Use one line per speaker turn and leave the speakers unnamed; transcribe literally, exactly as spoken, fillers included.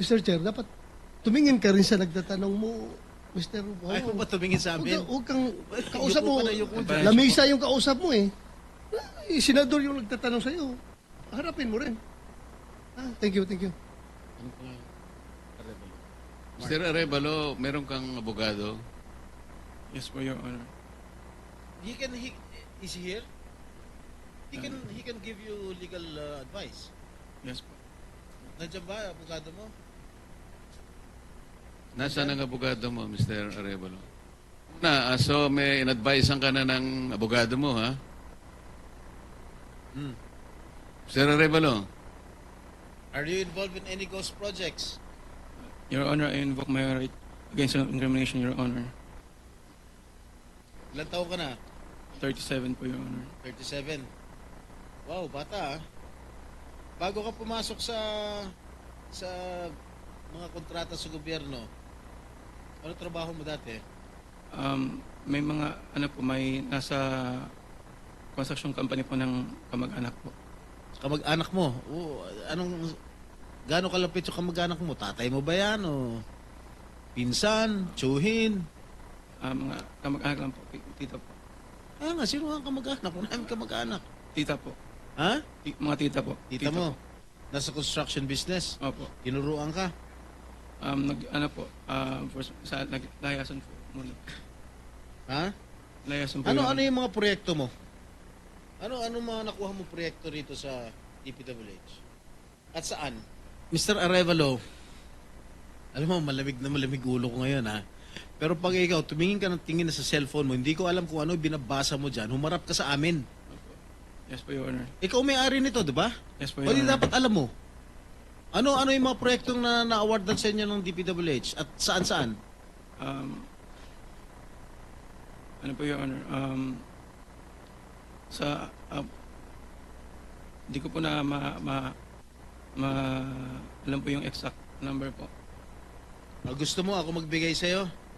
mister Chair, dapat tumingin ka rin sa nagtatanong mo, mister Wow.
Ayaw mo ba tumingin sa amin?
Huwag kang, kausap
Yuko
mo,
ka na, yuko dyan.
lamisa yung kausap mo eh. Eh, senador yung nagtatanong sa'yo. Harapin mo rin. Ah, thank you, thank you.
mister Arevalo, meron kang abogado?
Yes po, Your Honor.
He can, he, is he here? He can, he can give you legal uh, advice.
Yes po.
Nandiyan ba, abogado mo?
Nasaan ang abogado mo, mister Arevalo? Na, ah, so may in-advisean ka na ng abogado mo, ha?
Hmm.
mister Arevalo,
Are you involved in any ghost projects?
Your Honor, I invoke my right against incrimination, Your Honor.
Ilan taon ka na?
thirty-seven po, Your Honor.
thirty-seven. Wow, bata ah. Bago ka pumasok sa sa mga kontrata sa gobyerno, ano trabaho mo dati?
Um, may mga, ano po, may nasa construction company po ng kamag-anak po.
Kamag-anak mo? Oo, anong, gaano kalapit yung kamag-anak mo? Tatay mo ba yan? O pinsan? Tsuhin?
Ah, mga kamag-anak lang po, tita po.
Kaya nga, sino ang kamag-anak? Kung namin kamag-anak.
Tita po.
Ha?
Ti- mga tita po.
Tita, mo?
Po.
Nasa construction business?
Opo.
Tinuruan ka?
Um, nag, ano po, um, first, sa, naglayasan po muna.
Ha?
Layasan po.
Ano
Your
ano
Honor.
yung mga proyekto mo? Ano ano mga nakuha mo proyekto rito sa D P W H? At saan? mister Arevalo, alam mo, malamig na malamig ulo ko ngayon ha. Pero pag ikaw, tumingin ka ng tingin na sa cellphone mo, hindi ko alam kung ano yung binabasa mo dyan, humarap ka sa amin.
Yes po, Your Honor.
Ikaw may-ari nito, di ba?
Yes po,
O
Your
di
Honor.
dapat alam mo. Ano ano yung mga proyektong na na-awardan sa inyo ng D P W H? At saan-saan?
Um, ano po, Your Honor? Um, sa, uh, di ko po na ma, ma, ma, alam po yung exact number po.
Ah, gusto mo ako magbigay sa'yo?